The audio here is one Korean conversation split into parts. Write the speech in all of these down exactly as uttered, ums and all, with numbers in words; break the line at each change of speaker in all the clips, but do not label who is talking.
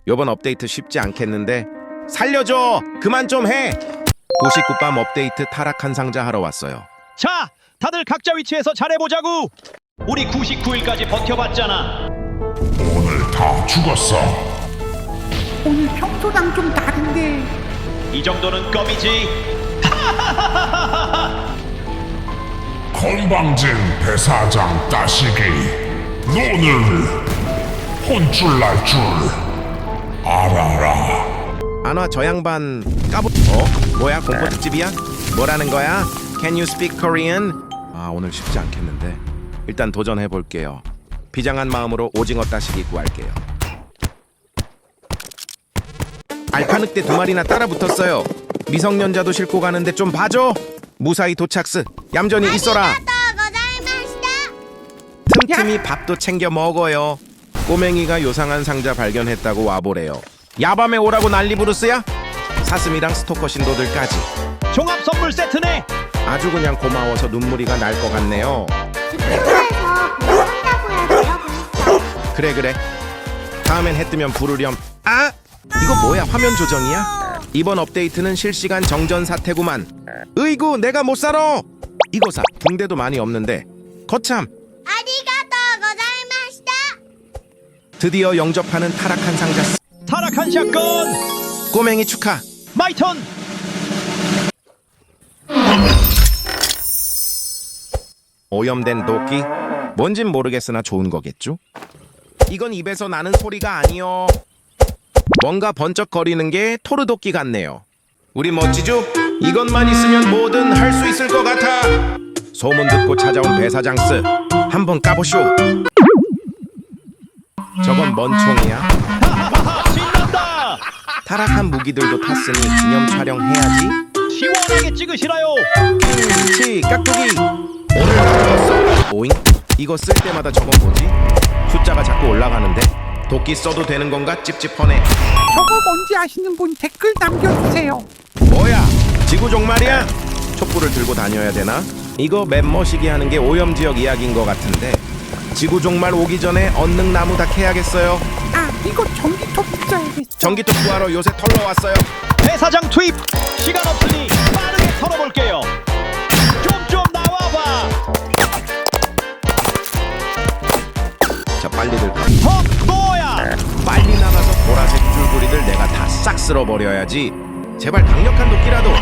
요번 업데이트 쉽지 않겠는데 살려줘! 그만 좀 해! 구십구 밤 업데이트 타락한 상자 하러 왔어요.
자, 다들 각자 위치에서 잘해보자고. 우리 구십구 일까지 버텨봤잖아.
오늘 다 죽었어.
오늘 평소랑 좀 다른데.
이 정도는 껌이지.
건방진 배사장 따시기, 너는 혼쭐 날 줄 알아라.
안와 저 양반 까부... 어? 뭐야 공포 특집이야? 뭐라는 거야? Can you speak Korean? 아 오늘 쉽지 않겠는데 일단 도전해볼게요. 비장한 마음으로 오징어 따시기 구할게요. 알파늑대 두 마리나 따라 붙었어요. 미성년자도 싣고 가는데 좀 봐줘. 무사히 도착스. 얌전히 있어라. 틈틈이 밥도 챙겨 먹어요. 꼬맹이가 요상한 상자 발견했다고 와보래요. 야밤에 오라고 난리 부르스야? 사슴이랑 스토커 신도들까지.
종합 선물 세트네.
아주 그냥 고마워서 눈물이가 날 것 같네요.
그래서 부른다고요, 내가 부르죠.
그래 그래. 다음엔 해 뜨면 부르렴. 아! 이거 뭐야 화면 조정이야? 이번 업데이트는 실시간 정전 사태구만. 으이구 내가 못 살아. 이거 사 붕대도 많이 없는데 거참.
아리가또 고자이마시다.
드디어 영접하는 타락한 상자.
타락한 샷건.
꼬맹이 축하.
마이 턴.
오염된 도끼? 뭔진 모르겠으나 좋은 거겠죠? 이건 입에서 나는 소리가 아니요. 뭔가 번쩍거리는 게 토르도끼 같네요. 우리 멋지죠? 이것만 있으면 뭐든 할 수 있을 것 같아. 소문 듣고 찾아온 배사장스 한번 까보쇼. 저건 뭔 총이야?
하하하, 신난다.
타락한 무기들도 탔으니 기념 촬영해야지.
시원하게 찍으시라요.
치 깍두기 오늘 나왔어. 오잉? 이거 쓸 때마다 저건 뭐지? 숫자가 자꾸 올라가는데 도끼 써도 되는 건가 찝찝하네.
저거 뭔지 아시는 분 댓글 남겨주세요.
뭐야 지구종 말이야? 촛불을 들고 다녀야 되나? 이거 맵머시기 하는 게 오염지역 이야기인 것 같은데 지구종 말 오기 전에 얼른 나무 다 캐야겠어요.
아, 이거 전기톱 붙여야겠어.
전기톱 구하러 요새 털러 왔어요.
배사장 투입. 시간 없으니 빠르게 털어볼게요. 좀 좀 나와봐.
자 빨리들 가.
헉, 뭐야?
빨리 나가서 보라색 줄거리들 내가 다 싹 쓸어버려야지. 제발 강력한 도끼라도.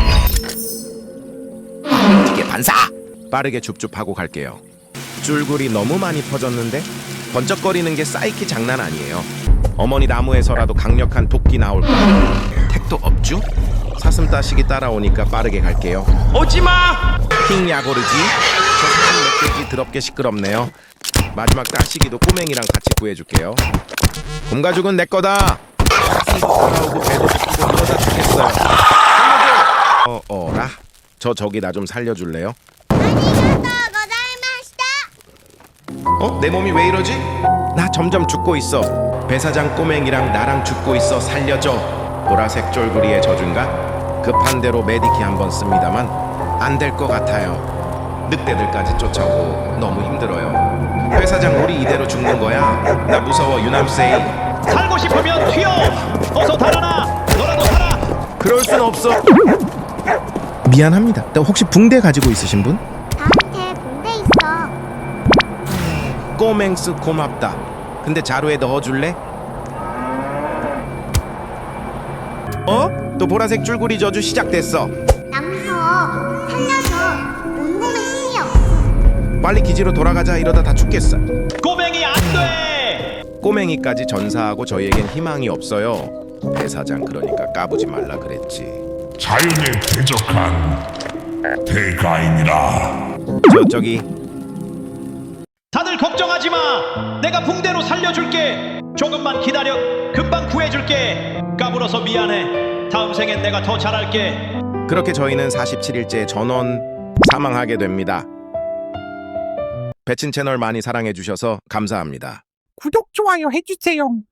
이게 반사. 빠르게 줍줍하고 갈게요. 줄거리 너무 많이 퍼졌는데 번쩍거리는 게 사이키 장난 아니에요. 어머니 나무에서라도 강력한 도끼 나올까? 택도 없죠? 사슴 따시기 따라오니까 빠르게 갈게요. 오지마! 킹 야고르지? 저 사슴 멧돼지 더럽게 시끄럽네요. 마지막 따시기도 꼬맹이랑 같이 구해줄게요. 곰가죽은 내 거다. 사슴도 따라오고 배도 시키고 이러다 죽겠어요. 살려줘! 어, 어라? 저 저기 나 좀 살려줄래요?
아리가또 고자이마시다.
어? 내 몸이 왜 이러지? 나 점점 죽고 있어. 배사장 꼬맹이랑 나랑 죽고 있어. 살려줘. 보라색 쫄구리의 저준가? 급한 대로 메디키 한번 씁니다만 안 될 것 같아요. 늑대들까지 쫓아오고 너무 힘들어요. 회사장 우리 이대로 죽는 거야? 나 무서워 유남세이.
살고 싶으면 튀어. 어서 달아나. 너라도 살아.
그럴 순 없어. 미안합니다. 혹시 붕대 가지고 있으신 분?
나한테 군대 있어.
꼬맹스 고맙다. 근데 자루에 넣어줄래? 어? 또 보라색 줄거리 저주 시작됐어.
나 무서워. 살려줘. 온몸에 힘이 없어.
빨리 기지로 돌아가자. 이러다 다 죽겠어.
꼬맹이 안 돼.
꼬맹이까지 전사하고 저희에겐 희망이 없어요. 배사장 그러니까 까부지 말라 그랬지.
자연에 대적한 대가인이라.
저 저기
다들 걱정하지 마. 내가 붕대로 살려줄게. 조금만 기다려. 금방 구해줄게. 까불어서 미안해. 다음 생엔 내가 더 잘할게.
그렇게 저희는 사십칠 일째 전원 사망하게 됩니다. 배친 채널 많이 사랑해 주셔서 감사합니다.
구독, 좋아요 해주세요.